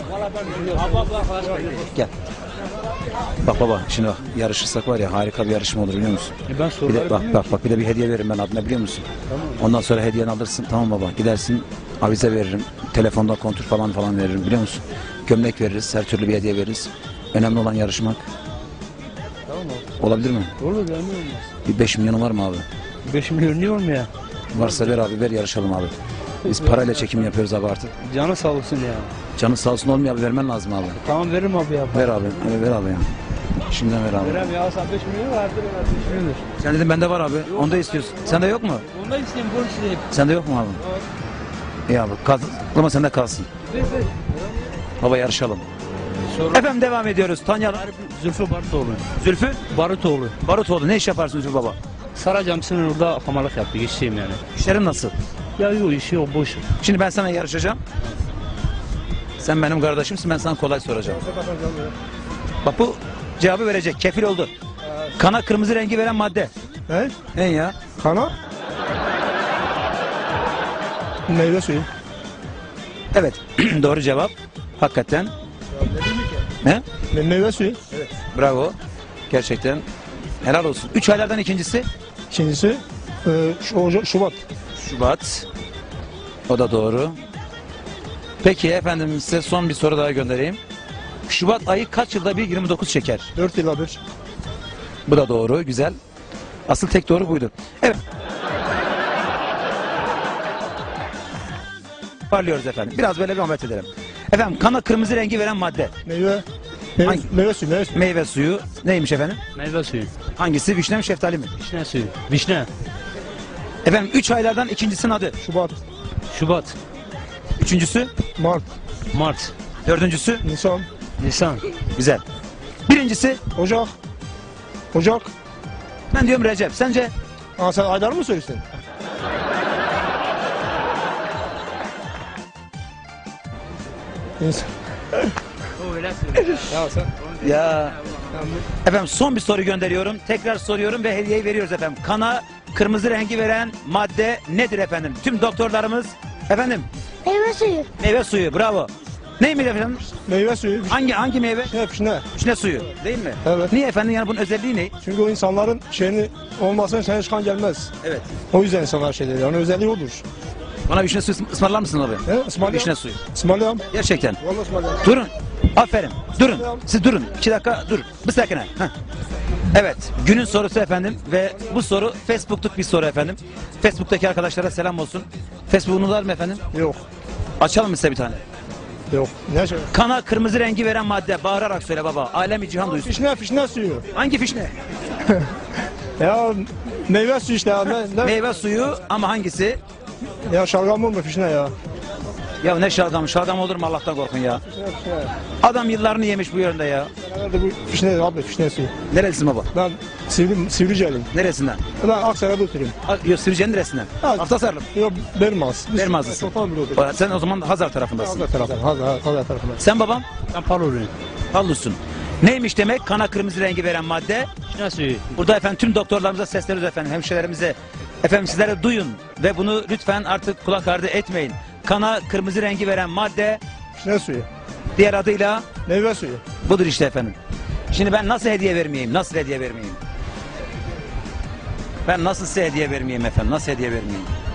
Gel. Bak baba, şimdi bak, yarışırsak var ya, harika bir yarışma olur, biliyor musun? Ben Bir de, bak bir de bir hediye veririm ben adına, biliyor musun? Tamam. Ondan sonra hediyeni alırsın, tamam baba, gidersin avize veririm, telefonda kontür falan veririm, biliyor musun? Gömlek veririz, her türlü bir hediye veririz. Önemli olan yarışmak. Tamam abi. Olabilir mi? Olur ya, ne olmaz. Bir 5 milyonu var mı abi? 5 milyon niye olmuyor ya? Varsa ver abi, ver, yarışalım abi. Biz parayla çekim yapıyoruz abi artık. Canı sağ olsun ya. Canın sağ olsun, olmuyor abi, vermen lazım abi. Tamam veririm abi ya. Ver abi, ver abi ya. Şimdiden ver abi. Verem ya, sen 5 milyon vardır ya. 5 milyondur. Sen dedin bende var abi, onu da istiyorsun. Sende yok mu? Ondan isteyeyim, bunu isteyeyim. Sende yok mu abi? İyi abi, ama sende kalsın. Ver. Baba yarışalım. Sonra Efendim devam ediyoruz. Tanıyalım. Zülfü Barutoğlu. Zülfü Barutoğlu. Barutoğlu. Ne iş yaparsın Zülfü baba? Saracamsın orada hamalık yaptı, işçiyim yani. İşlerin nasıl? Ya yok, işi yok, boş. Şimdi ben sana yarışacağım. Sen benim kardeşimsin, ben sana kolay soracağım. Bak bu cevabı verecek, kefil oldu. Kana kırmızı rengi veren madde. Ne? Ne ya? Kana? Meyve suyu. Evet, doğru cevap. Hakikaten. Ne? Meyve suyu. Bravo. Gerçekten helal olsun. 3 aylardan ikincisi İkincisi Şubat. Şubat. O da doğru. Peki efendim, size son bir soru daha göndereyim. Şubat ayı kaç yılda bir 29 çeker? 4 yıla bir. Bu da doğru, güzel. Asıl tek doğru buydu. Evet. Parlıyoruz efendim. Biraz böyle bir muhabbet edelim. Efendim, kana kırmızı rengi veren madde. Meyve Hangi? meyve suyu. Meyve suyu. Meyve suyu. Neymiş efendim? Meyve suyu. Hangisi? Vişne mi, şeftali mi? Vişne suyu. Vişne. Efendim, 3 aylardan ikincisinin adı. Şubat. Şubat. Üçüncüsü, Mart. Mart. dördüncüsü, Nisan. Nisan. güzel. Birincisi, Ocak. Ocak. ben diyorum Recep. Sence? Aa, sen aylar mı söylüyorsun? Nisan. O öyle söylüyor. Ya sen. Ya. Efendim, son bir soru gönderiyorum. Tekrar soruyorum ve hediyeyi veriyoruz efendim. Kana kırmızı rengi veren madde nedir efendim? Tüm doktorlarımız efendim, Meyve suyu. meyve suyu, bravo. Neymiş efendim? Meyve suyu. Hangi meyve? Ne? Vişne suyu değil mi? Evet. Niye efendim, yani bunun özelliği ne? Çünkü o insanların şeyini olmazsa sana çıkan gelmez. Evet. O yüzden insanlar şey dedi. Yani özelliği odur. Bana vişne suyu ısmarlar mısın abi? He? İsmail Vişne suyu. İsmail Gerçekten. Vallahi İsmail Durun. Aferin. Durun. Siz durun. 2 dakika dur. Bir sakine. Evet. Günün sorusu efendim ve bu soru Facebook'luk bir soru efendim. Facebook'taki arkadaşlara selam olsun. Facebook'unuz var mı efendim? Yok. Açalım mı size bir tane? Yok. Ne şey? Kana kırmızı rengi veren madde. Bağırarak söyle baba. Alemi cihan duysun. Fişne suyu. Hangi fişne? Ya meyve suyu işte ya. Ne? Meyve suyu ama hangisi? Ya şalgam olma fişne ya. Ya ne şalgam? Şalgam olur mu, Allah'tan korkun ya. Fişne. Adam yıllarını yemiş bu yönde ya. Nerede bu fişne abi fişne suyu. Nerelisin baba? Ben Sivriceliyim. Neresinden? Ben Aksaray'da oturuyorum. Yok, Sivrice'nin neresinden? Ha. Aftasarlı. Yok Bermaz. Bermazlısın. Topal bir oturuyorum. Sen o zaman Hazar tarafındasın. Hazar tarafından. Hazar tarafından. Sen babam? Ben Paloluyum. Hallusun. Neymiş demek? Kana kırmızı rengi veren madde. Vişne suyu. Burada efendim tüm doktorlarımıza sesleniyoruz efendim, hemşirelerimize. Efendim sizlere duyun ve bunu lütfen artık kulak ardı etmeyin. Kana kırmızı rengi veren madde, Fişne suyu. diğer adıyla Meyve suyu. budur işte efendim. Şimdi ben nasıl hediye vermeyeyim? Nasıl hediye vermeyeyim? Ben nasıl size hediye vermeyeyim efendim? Nasıl hediye vermeyeyim?